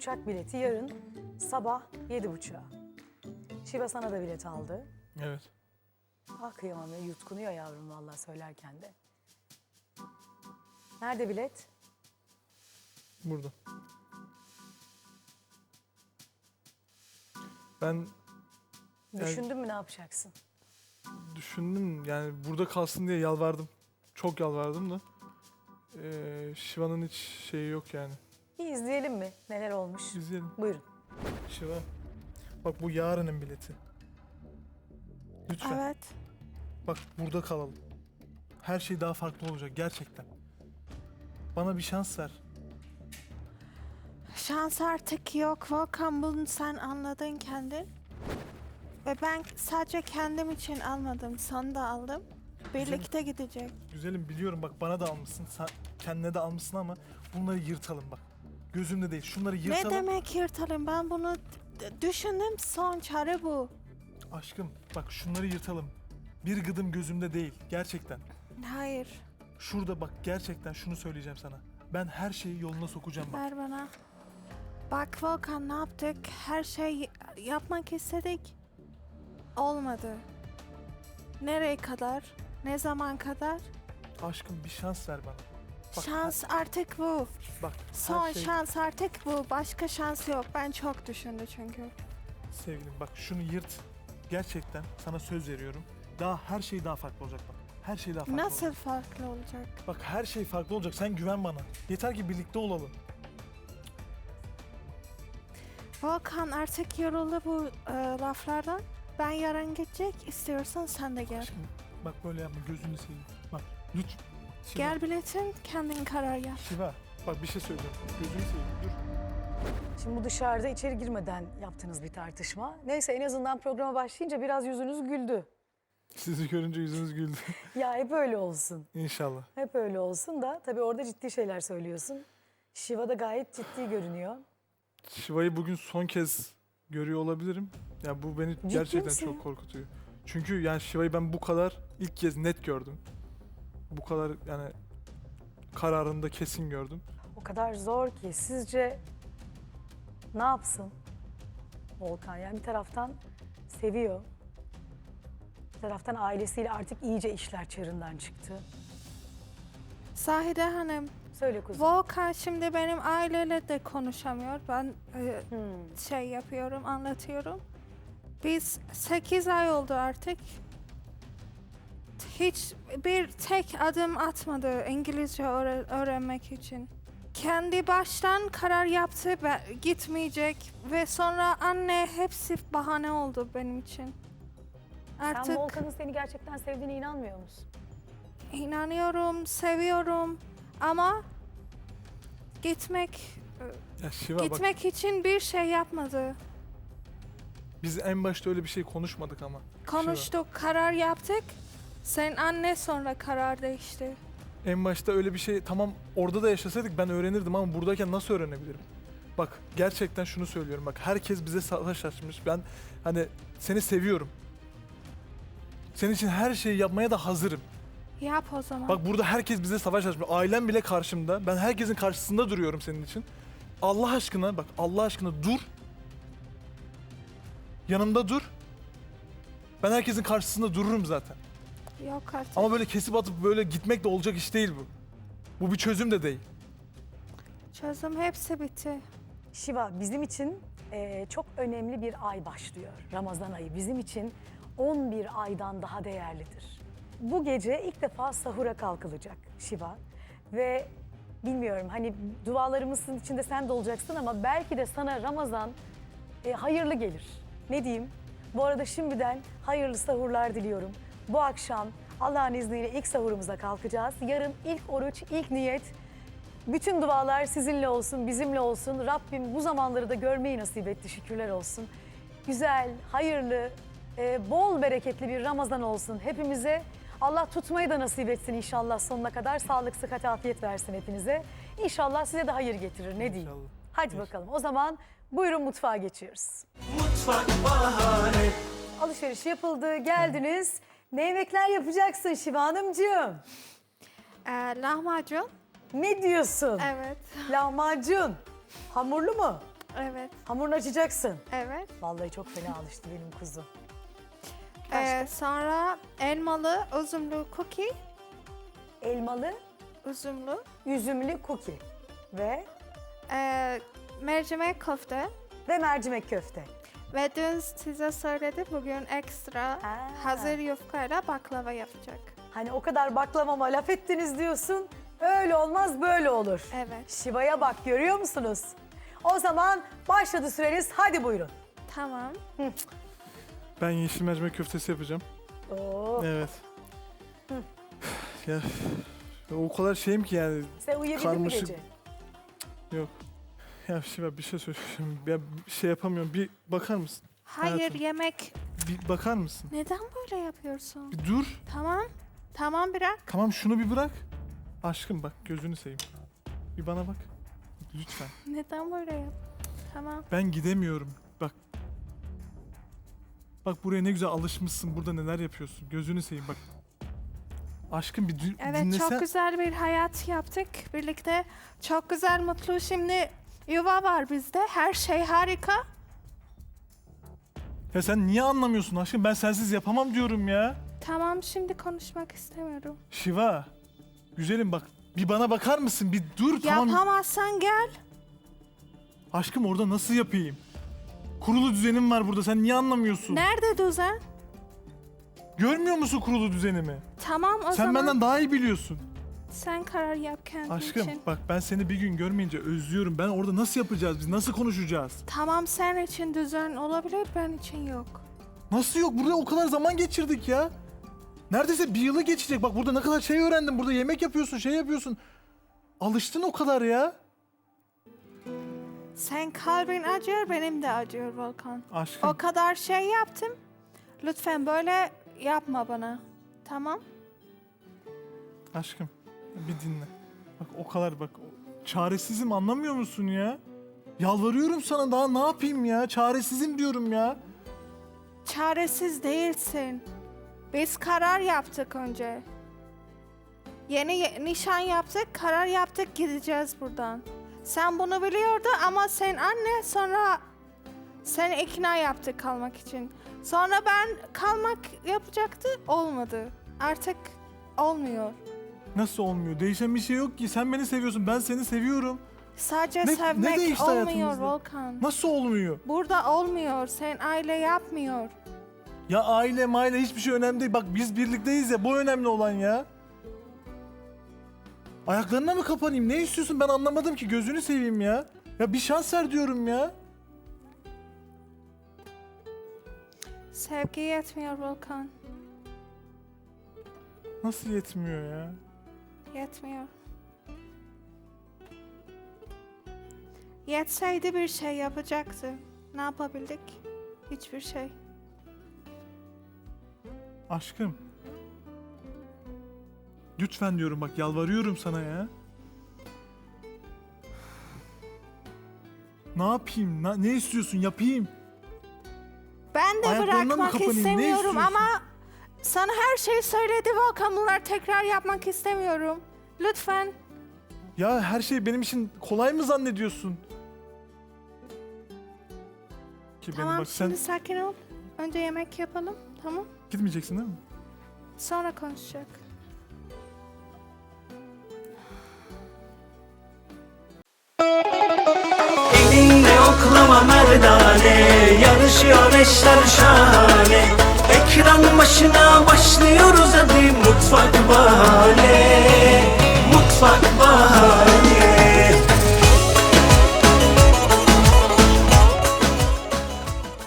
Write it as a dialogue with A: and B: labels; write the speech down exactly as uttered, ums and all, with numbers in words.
A: uçak bileti yarın sabah yedi buçuğa. Şiva sana da bilet aldı.
B: Evet.
A: Ah kıyamam ya, yutkunuyor yavrum vallahi söylerken de. Nerede bilet?
B: Burada. Ben yani
A: Düşündün mü ne yapacaksın?
B: düşündüm, yani burada kalsın diye yalvardım. Çok yalvardım da. Ee, Şiva'nın hiç şeyi yok yani.
A: Bir izleyelim mi neler olmuş?
B: İzleyelim.
A: Buyurun.
B: Şiva. Bak bu yarının bileti. Lütfen.
C: Evet.
B: Bak burada kalalım. Her şey daha farklı olacak gerçekten. Bana bir şans ver.
C: Şans artık yok. Volkan, bunu sen anladın kendin. Ve ben sadece kendim için almadım. Sana da aldım. Birlikte gidecek.
B: Güzelim biliyorum, bak bana da almışsın. Sen kendine de almışsın ama bunları yırtalım bak. Gözümde değil. Şunları yırtalım.
C: Ne demek yırtalım? Ben bunu d- düşündüm. Son çare bu.
B: Aşkım bak şunları yırtalım. Bir gıdım gözümde değil. Gerçekten.
C: Hayır.
B: Şurada bak, gerçekten şunu söyleyeceğim sana. Ben her şeyi yoluna sokacağım bak.
C: Ver bana. Bak Volkan, ne yaptık? Her şey yapmak istedik. Olmadı. Nereye kadar? Ne zaman kadar?
B: Aşkım bir şans ver bana. Bak,
C: Şans artık bu.
B: her- bak
C: Son
B: her şey,
C: şans artık bu. Başka şans yok. Ben çok düşündüm çünkü.
B: sevgilim bak şunu yırt. Gerçekten sana söz veriyorum. Daha her şey daha farklı olacak bak. Her şey daha farklı
C: Nasıl
B: olacak.
C: farklı olacak?
B: Bak her şey farklı olacak. Sen güven bana. Yeter ki birlikte olalım.
C: Volkan, artık yoruldu bu e, laflardan. Ben yarın gidecek. İstiyorsan sen de gel.
B: Aşkım bak böyle yapma, gözünü seveyim. Bak lütfen. Şiva,
C: Gel biletin, kendin karar yap.
B: Şiva bak bir şey söyleyeceğim. Gözünü seveyim, dur.
A: Şimdi bu dışarıda içeri girmeden yaptığınız bir tartışma. Neyse en azından programa başlayınca biraz yüzünüz güldü.
B: Sizi görünce yüzünüz güldü.
A: Ya hep öyle olsun.
B: İnşallah.
A: Hep öyle olsun da tabii orada ciddi şeyler söylüyorsun. Şiva da gayet ciddi görünüyor.
B: Şiva'yı bugün son kez görüyor olabilirim. Ya bu beni gerçekten
A: misin?
B: çok korkutuyor. Çünkü yani Şiva'yı ben bu kadar ilk kez net gördüm. Bu kadar yani kararında kesin gördüm.
A: O kadar zor ki sizce ne yapsın Volkan? Yani bir taraftan seviyor. Bir taraftan ailesiyle artık iyice işler çığırından çıktı.
C: Zahide Hanım,
A: Söyle kuzum.
C: Volkan şimdi benim aileyle de konuşamıyor. Ben e,
A: Hmm.
C: şey yapıyorum, anlatıyorum. Biz sekiz ay oldu artık. Hiç bir tek adım atmadı İngilizce öğre- öğrenmek için. Kendi baştan karar yaptı, ben gitmeyecek ve sonra anne hepsi bahane oldu benim için.
A: Sen
C: Artık
A: Volkan'ın seni gerçekten sevdiğine inanmıyor musun?
C: inanıyorum, seviyorum ama gitmek
B: Ya Şiva bak,
C: gitmek için bir şey yapmadı.
B: biz en başta öyle bir şey konuşmadık ama.
C: Konuştuk, karar yaptık. Sen anne sonra karar değişti.
B: En başta öyle bir şey, tamam orada da yaşasaydık ben öğrenirdim ama buradayken nasıl öğrenebilirim? Bak gerçekten şunu söylüyorum, bak herkes bize savaş açmış. Ben hani seni seviyorum. Senin için her şeyi yapmaya da hazırım.
C: Yap o zaman.
B: Bak burada herkes bize savaş açmış. Ailem bile karşımda. Ben herkesin karşısında duruyorum senin için. Allah aşkına bak, Allah aşkına dur. Yanımda dur. Ben herkesin karşısında dururum zaten.
C: Yok artık.
B: Ama böyle kesip atıp böyle gitmek de olacak iş değil bu. Bu bir çözüm de değil.
C: Çözüm hepsi bitti.
A: Şiva, bizim için eee, çok önemli bir ay başlıyor. Ramazan ayı bizim için on bir aydan daha değerlidir. Bu gece ilk defa sahura kalkılacak Şiva. Ve bilmiyorum hani dualarımızın içinde sen de olacaksın ama belki de sana Ramazan e, hayırlı gelir. Ne diyeyim? Bu arada şimdiden hayırlı sahurlar diliyorum. Bu akşam Allah'ın izniyle ilk sahurumuza kalkacağız. Yarın ilk oruç, ilk niyet. Bütün dualar sizinle olsun, bizimle olsun. Rabbim bu zamanları da görmeyi nasip etti, şükürler olsun. Güzel, hayırlı, e, bol bereketli bir Ramazan olsun hepimize. Allah tutmayı da nasip etsin inşallah sonuna kadar. Sağlık, sıhhat, afiyet versin hepinize. İnşallah size de hayır getirir, ne diyeyim.
B: İnşallah.
A: Hadi bakalım o zaman buyurun mutfağa geçiyoruz.
D: Mutfak bahane.
A: Alışveriş yapıldı, geldiniz. Ne yemekler yapacaksın Şiva Hanımcığım?
C: Ee, lahmacun.
A: Ne diyorsun?
C: Evet.
A: Lahmacun. Hamurlu mu?
C: Evet.
A: Hamurunu açacaksın.
C: Evet.
A: Vallahi çok fena alıştı benim kuzum.
C: Ee, sonra elmalı, üzümlü cookie.
A: Elmalı,
C: Üzümlü.
A: üzümlü cookie ve
C: Ee, mercimek köfte.
A: ve mercimek köfte.
C: Ve dün size söyledi bugün ekstra
A: Ha.
C: hazır yufkayla baklava yapacak.
A: Hani o kadar baklavama laf ettiniz diyorsun. Öyle olmaz böyle olur.
C: Evet.
A: Şiva'ya bak görüyor musunuz? O zaman başladı süreniz. Hadi buyurun.
C: Tamam.
B: Ben yeşil mercimek köftesi yapacağım.
A: Oo.
B: Evet. ya o kadar şeyim ki yani.
A: Sen uyuyabildin mi
B: Karmaşık.
A: gece?
B: Yok. Ya Şiva bir şey söyleyeceğim. Ya bir şey yapamıyorum. Bir bakar mısın?
C: Hayır
B: Hayatım.
C: yemek.
B: Bir bakar mısın?
C: Neden böyle yapıyorsun?
B: Bir dur.
C: Tamam. Tamam bırak.
B: Tamam şunu bir bırak. Aşkım bak gözünü seveyim. Bir bana bak. Lütfen.
C: Neden böyle yap? Tamam.
B: Ben gidemiyorum. Bak. Bak buraya ne güzel alışmışsın. Burada neler yapıyorsun. Gözünü seveyim bak. Aşkım bir dü-
C: Evet
B: dinlesen.
C: çok güzel bir hayat yaptık birlikte. Çok güzel mutlu şimdi yuva var bizde. Her şey harika.
B: Ya sen niye anlamıyorsun aşkım? Ben sensiz yapamam diyorum ya.
C: Tamam şimdi konuşmak istemiyorum.
B: Şiva. Güzelim bak. Bir bana bakar mısın? Bir dur tamam.
C: Yapamazsan gel.
B: Aşkım orada nasıl yapayım? Kurulu düzenim var burada. Sen niye anlamıyorsun?
C: Nerede düzen?
B: Görmüyor musun kurulu düzenimi?
C: Tamam o
B: Sen
C: zaman
B: benden daha iyi biliyorsun.
C: sen karar yap kendin
B: Aşkım
C: için.
B: bak ben seni bir gün görmeyince özlüyorum. Ben orada nasıl yapacağız biz? Nasıl konuşacağız?
C: Tamam sen için düzen olabilir ben için yok.
B: Nasıl yok? Burada o kadar zaman geçirdik ya. Neredeyse bir yılı geçecek. Bak burada ne kadar şey öğrendim. Burada yemek yapıyorsun, şey yapıyorsun. Alıştın o kadar ya.
C: Sen kalbin acıyor benim de acıyor Volkan.
B: Aşkım.
C: O kadar şey yaptım. Lütfen böyle yapma bana. Tamam?
B: Aşkım bir dinle. Bak o kadar bak. o- Çaresizim anlamıyor musun ya? Yalvarıyorum sana daha ne yapayım ya? Çaresizim diyorum ya.
C: Çaresiz değilsin. Biz karar yaptık önce. Yeni ye- nişan yaptık, karar yaptık gideceğiz buradan. Sen bunu biliyordu ama sen anne sonra seni ikna yaptı kalmak için. Sonra ben kalmak yapacaktı, olmadı. Artık olmuyor.
B: Nasıl olmuyor? Değişen bir şey yok ki. Sen beni seviyorsun. Ben seni seviyorum.
C: Sadece
B: Ne- ne
C: sevmek
B: değişti
C: olmuyor
B: hayatımızda?
C: Volkan.
B: Nasıl olmuyor?
C: Burada olmuyor. Sen aile yapmıyor.
B: Ya aile maile hiçbir şey önemli değil. Bak biz birlikteyiz ya. Bu önemli olan ya. Ayaklarına mı kapanayım? Ne istiyorsun? Ben anlamadım ki. Gözünü seveyim ya. Ya bir şans ver diyorum ya.
C: Sevgi yetmiyor Volkan.
B: Nasıl yetmiyor ya?
C: Yetmiyor. Yetseydi bir şey yapacaktı. Ne yapabildik? Hiçbir şey.
B: Aşkım. Lütfen diyorum bak yalvarıyorum sana ya. Ne yapayım? Na- ne istiyorsun? Yapayım.
C: Ben de
B: Ayaklarına mı
C: bırakmak
B: kapanayım? Ne
C: istemiyorum
B: istiyorsun?
C: ama sana her şeyi söyledi Volkan. Bunlar tekrar yapmak istemiyorum. Lütfen.
B: Ya her şey benim için kolay mı zannediyorsun? Ki benim
C: Tamam
B: bak
C: şimdi
B: sen
C: sakin ol. Önce yemek yapalım. Tamam.
B: gitmeyeceksin değil mi?
C: Sonra konuşacak.
D: Elinle oklama merdane, yarışıyor eşler şahane. Ekran başına başlıyoruz hadi, mutfak bahane. Mutfak